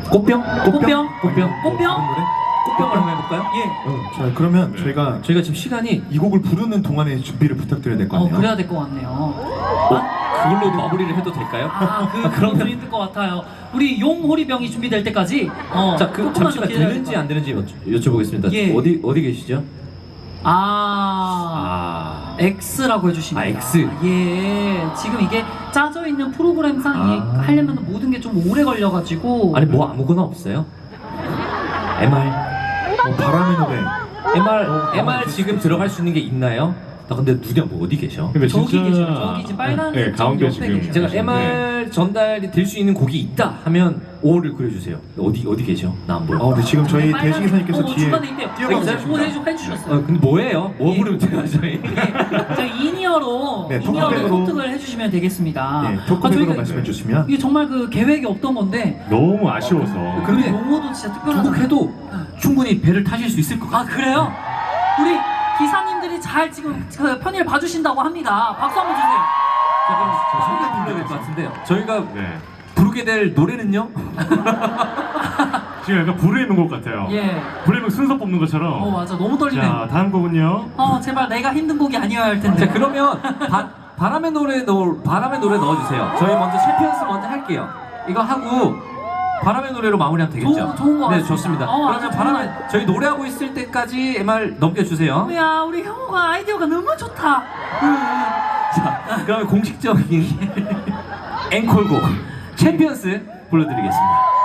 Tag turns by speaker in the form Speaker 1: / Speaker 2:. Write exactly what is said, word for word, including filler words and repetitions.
Speaker 1: 꽃병?
Speaker 2: 꽃병?
Speaker 1: 꽃병?
Speaker 2: 꽃병?
Speaker 1: 꽃병을 한번 해볼까요?
Speaker 2: 예.
Speaker 3: 어, 자 그러면
Speaker 1: 네.
Speaker 3: 저희가
Speaker 1: 저희가 지금 시간이
Speaker 3: 이 곡을 부르는 동안에 준비를 부탁드려야 될 것
Speaker 2: 어,
Speaker 3: 같네요.
Speaker 2: 그래야 될 것 같네요.
Speaker 1: 어, 그걸로 마무리를 해도 될까요?
Speaker 2: 아, 그, 그런 좀 힘들 것 같아요. 우리 용호리병이 준비될 때까지. 어,
Speaker 1: 자, 그
Speaker 2: 조금만
Speaker 1: 잠시만
Speaker 2: 더 기다려야
Speaker 1: 되는지
Speaker 2: 될
Speaker 1: 안 되는지 여쭤, 여쭤보겠습니다.
Speaker 2: 예.
Speaker 1: 어디 어디 계시죠?
Speaker 2: 아,
Speaker 1: 아,
Speaker 2: X라고 해주십니다.
Speaker 1: 아, X.
Speaker 2: 예, 지금 이게 짜져 있는 프로그램상
Speaker 1: 아.
Speaker 2: 하려면 모든 게 좀 오래 걸려가지고.
Speaker 1: 아니 뭐 아무거나 없어요? 엠알,
Speaker 3: 어, 바람의 노래.
Speaker 1: 엠알,
Speaker 3: 어,
Speaker 1: 엠알 지금 들어갈 수 있는 게 있나요? 나 근데 누냐 뭐 어디 계셔?
Speaker 4: 근데
Speaker 2: 저기
Speaker 4: 진짜
Speaker 2: 계셔요. 저기 지금 빨간
Speaker 4: 네,
Speaker 2: 점
Speaker 4: 가운데
Speaker 2: 옆에
Speaker 4: 지금
Speaker 2: 계셔요.
Speaker 1: 제가
Speaker 4: 계신데.
Speaker 1: 엠알 전달이 될 수 있는 곡이 있다 하면 오를 그려주세요. 어디 어디 계셔? 나 안 보여.
Speaker 3: 아 근데 지금 저희
Speaker 2: 빨간-
Speaker 3: 대식이사님께서
Speaker 2: 어,
Speaker 3: 뒤에
Speaker 2: 중간에 있대요.
Speaker 3: 뛰어가고
Speaker 2: 네,
Speaker 3: 계십니다.
Speaker 2: 뭐 해주- 해주셨어요.
Speaker 1: 어, 근데 뭐예요? 뭐
Speaker 2: 예.
Speaker 1: 부르면 돼요 저희?
Speaker 2: 자, 이니어로
Speaker 3: 네,
Speaker 2: 이니어로
Speaker 3: 토크백으로-
Speaker 2: 소통을 해주시면 되겠습니다.
Speaker 3: 네,
Speaker 2: 아,
Speaker 3: 토크백으로
Speaker 2: 저희가
Speaker 3: 말씀해 주시면
Speaker 2: 이게 정말 그 계획이 없던 건데
Speaker 4: 너무 아쉬워서
Speaker 1: 근데
Speaker 2: 우리 용어도 진짜 특별하다.
Speaker 1: 두곡해도 충분히 배를 타실 수 있을 것 같아요.
Speaker 2: 아 그래요? 우리 기사님들이 잘 지금 그 편의를 봐주신다고 합니다. 박수 한번 주세요.
Speaker 1: 자, 그럼 저 소개 불러야 될 것 같은데요. 저희가
Speaker 4: 네.
Speaker 1: 부르게 될 노래는요?
Speaker 4: 지금 약간 불에 있는 것 같아요.
Speaker 2: 예.
Speaker 4: 불에 순서 뽑는 것처럼.
Speaker 2: 어 맞아 너무 떨리네.
Speaker 4: 자 다음 곡은요.
Speaker 2: 어 제발 내가 힘든 곡이 아니어야 할 텐데.
Speaker 1: 자 그러면 바, 바람의 노래 넣어 바람의 노래 넣어주세요. 저희 먼저 챔피언스 먼저 할게요. 이거 하고 바람의 노래로 마무리하면 되겠죠?
Speaker 2: 좋은- 좋은 것
Speaker 1: 네
Speaker 2: 같습니다.
Speaker 1: 좋습니다.
Speaker 2: 어,
Speaker 1: 그러면
Speaker 2: 아주
Speaker 1: 바람의
Speaker 2: 좋은
Speaker 1: 저희 노래하고 있을 때까지 엠알 넘겨주세요.
Speaker 2: 야 우리 형우가 아이디어가 너무 좋다. 응,
Speaker 1: 자 그러면 공식적인 앵콜곡 챔피언스 불러드리겠습니다.